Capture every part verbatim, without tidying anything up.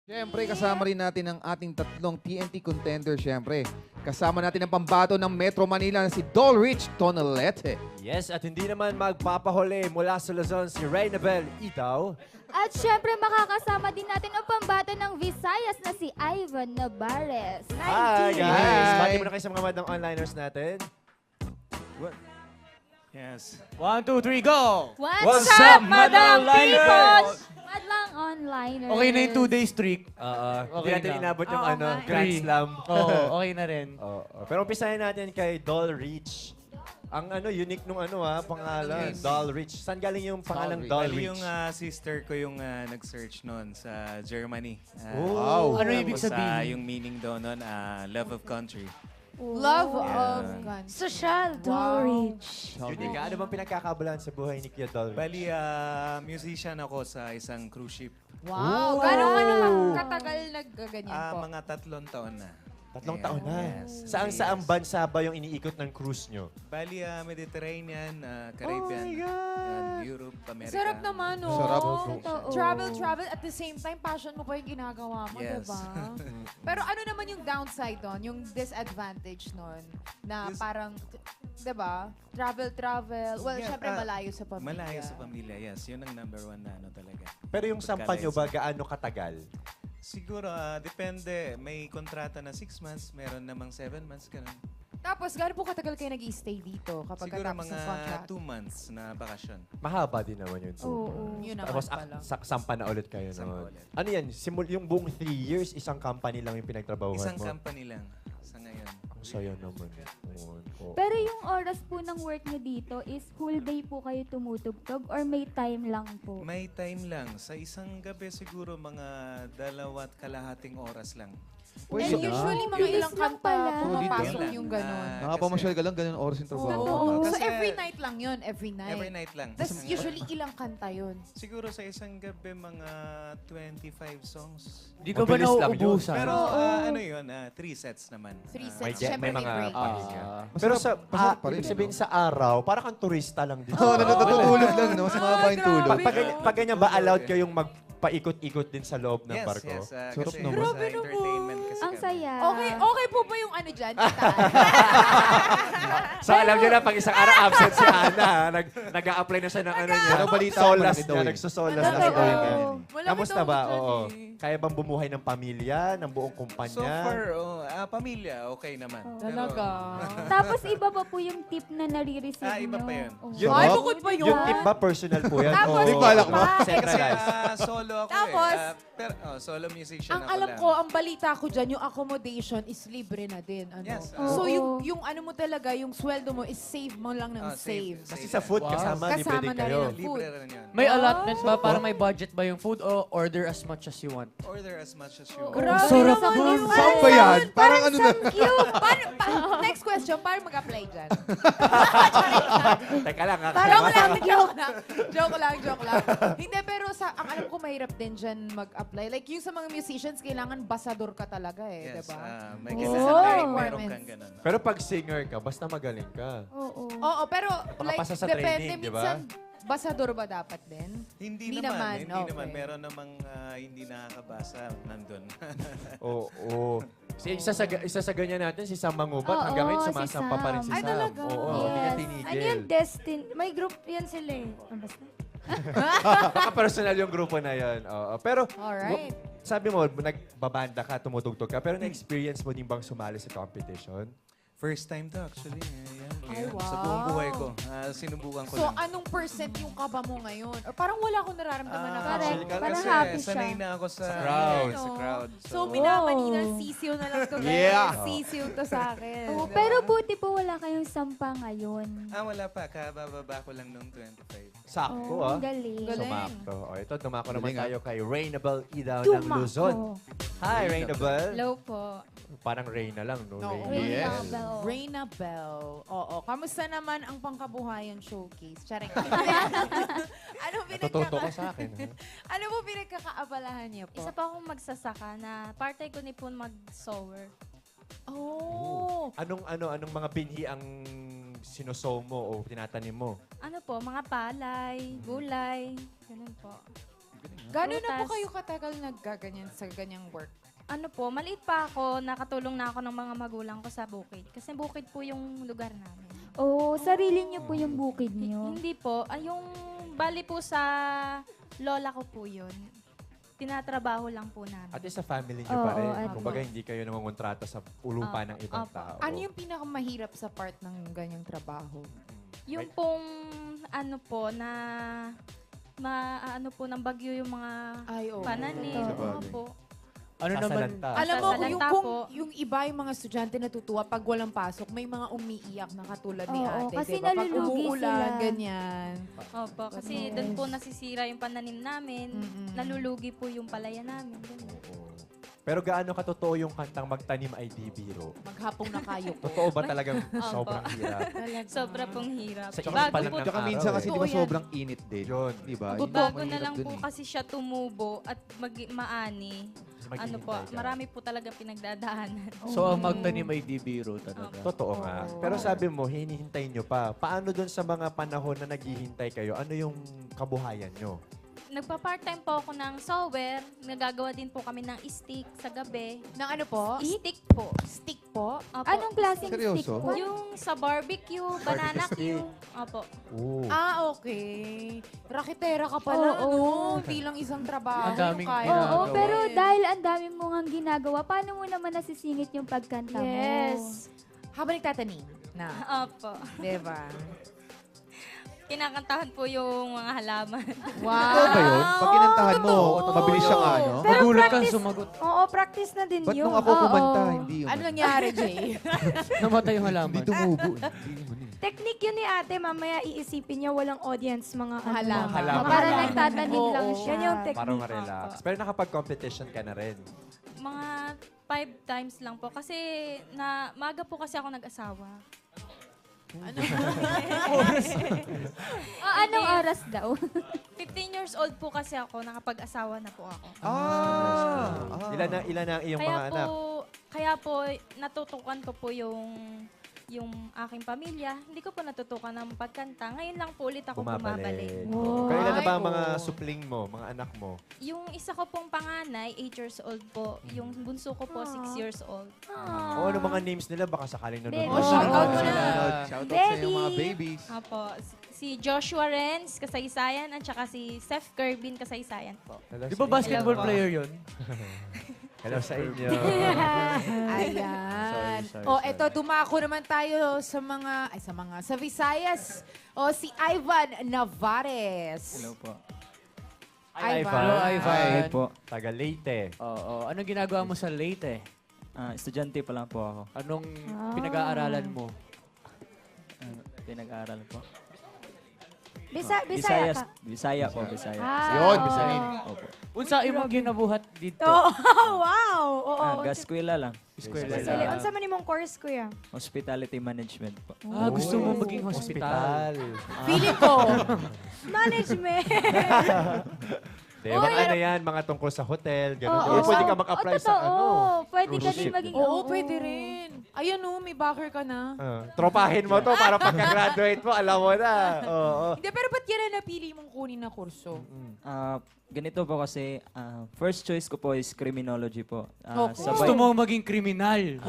Siyempre, kasama rin natin ang ating tatlong T N T contender, siyempre. Kasama natin ang pambato ng Metro Manila na si Dolrich Tonalete. Yes, at hindi naman magpapahuli mula sa Luzon si Reynabel Itaw. At syempre makakasama din natin ang pambato ng Visayas na si Ivan Navarez. Hi guys! Hi. Bati mo na kayo sa mga madang onliners natin. What? Yes. One, two, three, go! What's, What's up, up, Madam Madam People? Liners? Madlang onliners. Okay na yung two-day streak. Uh, hindi Okay natin na. inabot yung Oo ano, nga. Grand Three. Slam. Oo, okay na rin. Oo. Pero umpisahin natin kay Doll Rich. Ang ano, unique nung ano ha, pangalan. Yes. Doll Rich. Saan galing yung pangalang Doll Doll Bali Rich? yung ah, sister ko yung ah, nag-search noon sa Germany. Ah, Wow. tapos, Ano ibig ah, sabihin? yung meaning daw noon, ah, love of country. Love Yeah. of guns. Social Wow. Dolrich. Unique. Ano bang pinagkakabalahan sa buhay ni Kuya Doll Rich? Bali, ah, musician ako sa isang cruise ship. Wow. Ooh. Gano'n ka naman katagal nagganyan Ah, po? mga tatlong taon na. Tatlong Yeah. taon na. Yes. Saan saang Yes. bansa ba yung iniikot ng cruise nyo? Bali, ah, Mediterranean, ah, Caribbean, Oh my God. yan, Europe, America. Sarap naman, no? Sarap. Totoo. Travel, travel. At the same time, passion mo pa yung ginagawa mo, Yes. diba? Pero ano naman yung downside doon? Yung disadvantage nun? Na Dis- parang, diba? Travel, travel. Well, Yeah, syempre ah, malayo sa pamilya. Malayo sa pamilya, yes. Yun ang number one na ano talaga. Pero yung sampa nyo ba, gaano katagal? Siguro, ah, depende. May kontrata na six months, meron namang seven months, ganun. Tapos, gano'n po katagal kayo nag-stay dito kapag Siguro katapos mga ng contract? two months na bakasyon. Mahaba din naman yun. Oo. Yun naman Tapos pala. ak- sa- sampa na ulit kayo Sampa noon. ulit. Ano yan? Simul yung buong three years, isang company lang yung pinagtrabahuhan Isang mo? company lang sa ngayon. Ang saya naman. Noon. Oo. Pero yung oras po ng work niyo dito is whole day po kayo tumutugtog or may time lang po? May time lang. Sa isang gabi siguro mga dalawat kalahating oras lang. Pwede And na. usually, mga Bilis ilang lang kanta pala. pumapasok Yun lang. yung gano'n. Ah, Nakapamasyal ka lang, ganun oras yung trabaho. Oo. So, Kasi- every night lang yun, every night. Every night lang. Tapos Ang- usually ilang kanta yun? Siguro sa isang gabi mga twenty-five songs. Di ka ba Mabilis lang yun. nauubusan? Pero Oo. ah, ano yun, ah, three sets naman. Three Ah, May, sets. jet, Siyempre, may may mga break. pahinga. Ah. Pero sa, masarap ah, pa rin, ibig sabihin no? sa araw, parang kang turista lang din. Oo, natutulog lang, no? Mas mahaba yung tulog. Pag, pag, ganyan- pag ganyan ba, allowed kayong magpaikot-ikot din sa loob ng yes, barko? yes. ah, Sarap kasi naman. sa Grabe naman. entertainment kasi Ang kami. saya. Okay, okay po ba yung ano dyan? Kita? So alam niyo na, pag isang araw absent si Ana, ha? nag, nag-a-apply na siya ng ano niya. Pero balita ko, Solas malaki daw niya, yun. nagsusolas na Malaki si daw Owen. yun. Malaki Kamusta daw ba? dyan Oo. eh. Kaya bang bumuhay ng pamilya, ng buong So kumpanya? far, oh, ah, pamilya, okay naman. Pero- Talaga. Tapos iba pa po yung tip na nare-receive Ah, iba nyo. pa yun. Oo. Yun, Ay, oh, bukod pa yun. Yung tip ba, personal po yan? Tapos, Oo. Di balak mo? pa. Kasi Centralized. ah, solo ako Tapos, eh. Ah, pero, oh, solo musician Ang ako alam lang. ko, ang balita ko dyan, yung accommodation is libre na din. Ano? Yes, ah. So, Oo. yung, yung ano mo talaga, yung sweldo mo is save mo lang ng Ah, save. Kasi sa food, Wow. kasama, libre Kasama din na kayo. rin ang food. Libre rin yun. May Ah. allotment ba para may budget ba yung food o order as much as you want? Order as much as you Oo. want. Grabe Sarap naman nun. yun. Saan ba yan? Parang ano na? Paano, pa- next question, paano mag-apply dyan? Teka lang, ha? Joke lang, joke lang. Joke lang, joke lang. Hindi, pero sa, ang alam ko mahirap din dyan mag-apply. Like yung sa mga musicians, kailangan basador ka talaga eh, Yes, diba? ah, may Oh. kasi Oh. sa meron Requirements. kang ganun. Pero pag singer ka, basta magaling ka. Oo. Oo, pero like, Makapasa sa depende training, di ba? minsan, basador ba dapat din? Hindi, Hindi naman, naman, hindi okay. naman. Meron namang ah, hindi nakakabasa nandun. Oo. oo. Si, isa, sa, isa sa ganyan natin, si Sam Mangubat, Oo, hanggang ngayon si sumasampa pa rin si Sam. Ay, Sam. talaga? Oo, hindi niya Yes. tinigil. Ano yung Destin? May group yan sila eh. Ah, basta. Baka personal yung grupo na yan. Oo. Pero, Alright. w- sabi mo, nagbabanda ka, tumutugtog ka, pero na-experience mo din bang sumali sa competition? First time to actually. Ayan, Ay, ayan. wow. Sa buong buhay ko. ah, sinubukan ko So, lang. anong percent yung kaba mo ngayon? Or parang wala akong nararamdaman na Ah, kaba. Correct. kasi Parang happy siya. sanay na ako sa, Sa crowd. Sa crowd. So, minamanina, Wow. sisiw na lang to. Yeah. guys. Sisiw to sa akin. Oo, Diba? pero buti po wala kayong sampa ngayon. Ah, wala pa. Kabababa ko lang nung twenty-five. Sakto, Oo, ah. ang galing. Galing. Sumakto. O, ito, dumako naman Galing, ah. tayo kay Rainabel Idaw ng Dumako. Luzon. Hi, Rainabel. Hello po. Parang Reyna lang, no? Oo. Rainabel. Yes. Bell. Reina Bell. Oo. Kamusta naman ang pangkabuhayan showcase? Charing. ano Natututo pinagkaka... ka sa akin, ha? ano po pinagkakaabalahan niya po? Isa pa akong magsasaka na partay ko ni po mag-sower. Oh. Anong, ano, anong mga binhi ang sinosow mo o tinatanim mo? Ano po, mga palay, gulay, ganun po. Gano'n na po Prutas. kayo katagal naggaganyan sa ganyang work? Ano po, maliit pa ako, nakatulong na ako ng mga magulang ko sa bukid. Kasi bukid po yung lugar namin. Oo, sarili niyo po yung bukid H- niyo. Hindi po, ay yung bali po sa lola ko po yun. Tinatrabaho lang po namin. At least sa family niyo Oo, pa rin. at Kumbaga, hindi kayo nangungontrata sa ulupa Ah, ng ibang opo. tao. Ano yung pinakamahirap sa part ng ganyang trabaho? Yung pong ano po na ma ano po ng bagyo yung mga Ay, oo. pananim, Totoo. mga po. Ano naman? Sasalanta. Alam mo, Sasalanta yung, kung, po. yung iba, yung mga estudyante natutuwa pag walang pasok, may mga umiiyak na katulad ni Oo, ate. kasi diba? Pag nalulugi umuulan, sila. ganyan. Opo, kasi Yes. doon po nasisira yung pananim namin. Mm-mm. Nalulugi po yung palaya namin. ganun. Oo. Pero gaano katotoo yung kantang magtanim ay di biro? Maghapong na kayo ko. Totoo ba talagang sobrang hirap? Sobra pong hirap. Sa Tsaka, init pa lang po, ng tsaka araw minsan eh. kasi di ba Totoo yan. sobrang init din. Yun. Di ba? Totoo. Yun ang bago na mahirap lang dun po eh. kasi siya tumubo at mag maani. Maghihintay Ano po, ka. marami po talaga pinagdadaanan. So, ang magtanim ay di biro talaga. Totoo nga. Oo. Pero sabi mo, hinihintay nyo pa. Paano dun sa mga panahon na naghihintay kayo? Ano yung kabuhayan nyo? Nagpa-part-time po ako ng sewer. Nagagawa din po kami ng stick sa gabi. Ng ano po? Stick po. Stick po? Opo. Anong klaseng Seryoso? stick po? Yung sa barbecue, banana stick. Q. Opo. Oo. Ah, okay. Rakitera ka pala, Oo. no? Hindi lang isang trabaho. Ang daming yung kaya ginagawa. Oo, mo pero gawin. dahil ang dami mo ngang ginagawa, paano mo naman nasisingit yung pagkanta mo? Yes. Habang nagtatanim na. Opo. Diba? Kinakantahan po yung mga halaman. Wow! Totoo ba yun? Pag kinantahan mo, mabilis siyang ano? Pero Magulat kang practice- sumagot. Oo, practice na din Ba't yun. nung ako Oo. kumanta, hindi yun? Ano nangyari, Jay? Namatay yung halaman. Hindi tumubo. eh. Hindi naman eh. Technique yun ni ate, mamaya iisipin niya walang audience, mga ano, Halaman. Halaman. Para Halaman. nagtatanim lang Oo. siya. Yan yung Para technique. ma-relax. Pero nakapag-competition ka na rin. Mga five times lang po. Kasi na maaga po kasi ako nag-asawa. Ah, anong oras daw? fifteen years old po kasi ako, nakapag-asawa na po ako. Ah! ah. Ilan na, ilan na ang iyong Kaya mga po, anak? kaya po natutukan ko po yung yung aking pamilya. Hindi ko po natutukan ng pagkanta. Ngayon lang po ulit ako bumabalik. Pero ilan na ba ang Ay, mga oo. supling mo, mga anak mo? Yung isa ko pong panganay, eight years old po. Yung bunso ko po, six years old. O ano mga names nila? Baka sakaling Baby. nanonood. Oh, shout out mo na. Shoutout shoutout sa iyo mga Baby. babies. Apo, si Joshua Renz, kasaysayan, at saka si Seth Kerbin, kasaysayan po. Hello Di sa ba inyo. basketball Hello po. player yun? Hello sa inyo. Ayan. Sorry, sorry, o, sorry. eto, dumako naman tayo sa mga, ay sa mga, sa Visayas. O, si Ivan Navares. Hello po. Ivan. Hello, Ivan. Hi po. Taga Leyte. Oo. Anong ginagawa mo sa Leyte? Ah, estudyante pa lang po ako. Anong pinag-aaralan mo? Ano, pinag-aaral po. Bisa, Ah, Bisaya Visayas- ka. Bisaya po, Bisaya. Ah. Yun, bisanin. Opo. Unsa imong ginabuhat dito? Oo, wow! Oo, Ah, unsa- gaskwela lang. Eskwela Sili, lang. unsa man imong course, kuya? Hospitality management po. Ah, gusto mo Uy, maging hospital. Feeling ko, Management! Di, mga ano yan, mga tungkol sa hotel, gano'n. Oo. Or pwede ka mag-apply Oo, sa totoo. ano. Pwede ka cruise din ship. maging... oo, pwede rin. Ayun o, may backer ka na. Ah, tropahin mo to para pagka-graduate mo, alam mo na. Oo. Hindi, pero ba't yan na napili mong kunin na kurso? Ah, ganito po kasi, ah, first choice ko po is criminology po. Ah, Okay. Gusto mo maging kriminal.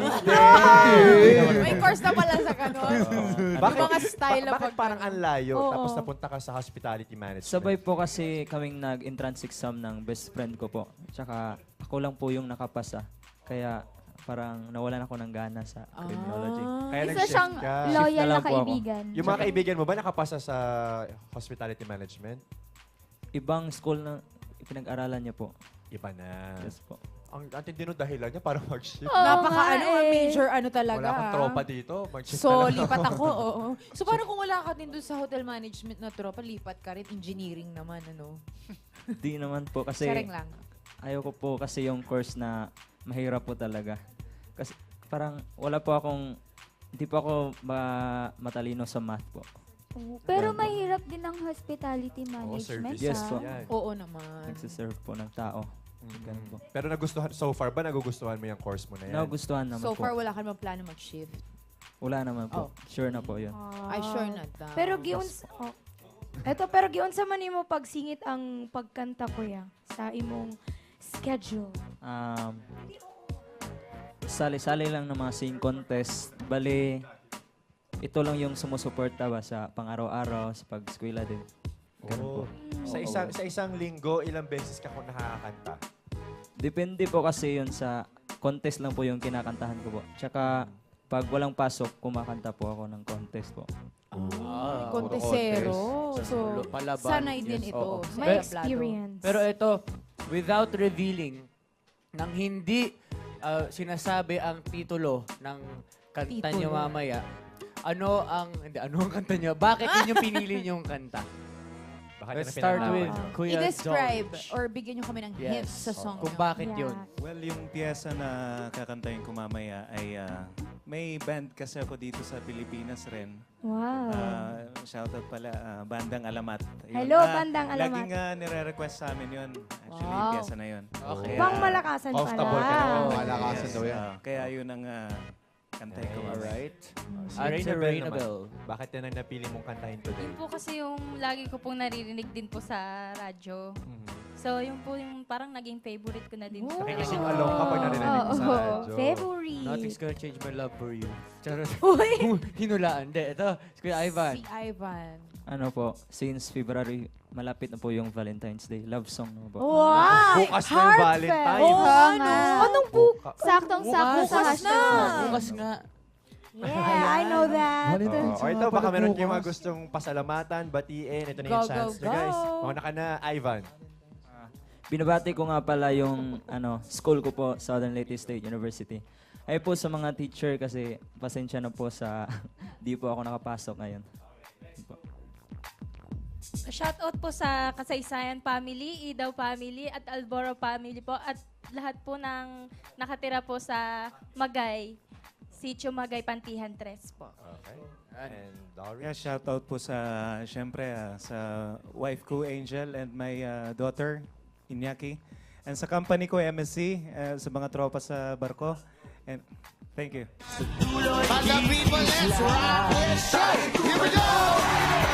May course na pala sa kanon. Bakit, Yung mga style na ba- bakit pag- parang ang layo, Oo. tapos napunta ka sa hospitality management? Sabay po kasi kaming nag-entrance exam ng best friend ko po. Tsaka ako lang po yung nakapasa. Kaya parang nawalan ako ng gana sa criminology. Kaya Isa nag-shift siyang ka. loyal Shift na na lang po ako. kaibigan. Yung mga kaibigan mo ba nakapasa sa hospitality management? Ibang school na pinag-aralan niya po. Iba na. Yes po. Ang ating dino dahilan niya para mag-shift. Oo Napaka nga ano, eh. major ano talaga. Wala kang ah. tropa dito. Mag-shift So, ka lang. lipat ako, oo. So, parang kung wala ka din doon sa hotel management na tropa, lipat ka rin, engineering naman, ano? Di naman po kasi Sharing lang. ayaw ko po kasi yung course na mahirap po talaga. Kasi parang wala po akong, hindi po ako ma- matalino sa math po. Oo, Pero mahirap din ang hospitality Oo, management. service. Yes ah. po. Yan. Oo naman. Nagsiserve po ng tao. Mm. Ganun po. Pero nagustuhan, so far ba nagugustuhan mo yung course mo na yan? Nagustuhan naman So po. far, wala ka naman plano mag-shift. Wala naman po. Sure na po yun. Ay, sure na daw. Pero giuns... Oh, Eto, pero gion sa man mo pagsingit ang pagkanta ko ya sa imong schedule. Um, sali-sali lang ng mga sing contest. Bali, ito lang yung sumusuporta ba sa pang-araw-araw, sa pag-eskwela din. Ganun po. Oh. Sa isang sa isang linggo, ilang beses ka kung nakakanta? Depende po kasi yun sa contest lang po yung kinakantahan ko po. Tsaka pag walang pasok, kumakanta po ako ng contest po. Ah, Contesero. contest. So, Sa palaban. sanay din Yes, ito. oo. sa May Pero- tablado. experience. Pero ito, without revealing, nang hindi ah, sinasabi ang titulo ng kanta niyo Titulo. mamaya, ano ang, hindi, ano ang kanta niyo? Bakit yun yung pinili niyong kanta? Bakit Let's yan ang start pinag-uusapan? with Kuya I-describe George. or bigyan nyo kami ng Yes. hints sa song Kung nyo. bakit Yeah. yun. Well, yung piyesa na kakantahin ko mamaya ay ah, may band kasi ako dito sa Pilipinas rin. Wow. Ah, shoutout pala, ah, Bandang Alamat. Yun. Hello, Ah, Bandang Alamat. Laging ah, nire-request sa amin yun. Actually, yung Wow. piyesa na yun. Okay. Pang malakasan Comfortable pala. ka na. Oh, Malakasan daw yan. Ah, kaya yun ang uh, kantahin ko mamaya. Alright. Si At si Rainabel naman, Rainabel. bakit yan ang napili mong kantahin today? Yun po kasi yung lagi ko pong naririnig din po sa radyo. Mhm. So, yun po yung parang naging favorite ko na din. Oh. po. Nakikising along ka pag narinig mo sa Oo. radyo. Favorite. Nothing's gonna change my love for you. Charot. Uy! Hinulaan. Hindi, ito. Si Kuya Ivan. Si Ivan. Ano po, since February, malapit na po yung Valentine's Day. Love song naman po. Wow! Bukas na yung Valentine's. Oo nga. Anong po? Buka- Saktong-sakto sa Bukas hashtag. na. Bukas nga. Yeah, I know that. Oh, o ito, baka meron kayong mga gustong pasalamatan, batiin. Ito na yung Go, go, chance nyo, guys. go. Mauna ka na, Ivan. Binabati ko nga pala yung ano, school ko po, Southern Leyte State University. Ay po sa mga teacher kasi pasensya na po sa di po ako nakapasok ngayon. Shoutout po sa Kasaysayan family, Idaw family, at Alboro family po. At lahat po ng nakatira po sa Magay, Sitio Magay, Pantihan tres po. Okay. And Doris. Yeah, shoutout po sa, syempre, ah, sa wife ko, Angel, and my ah, daughter, Inyaki. And sa company ko, M S C, ah, sa mga tropa sa barko. And thank you. Mga people, let's rock this show. Here we go!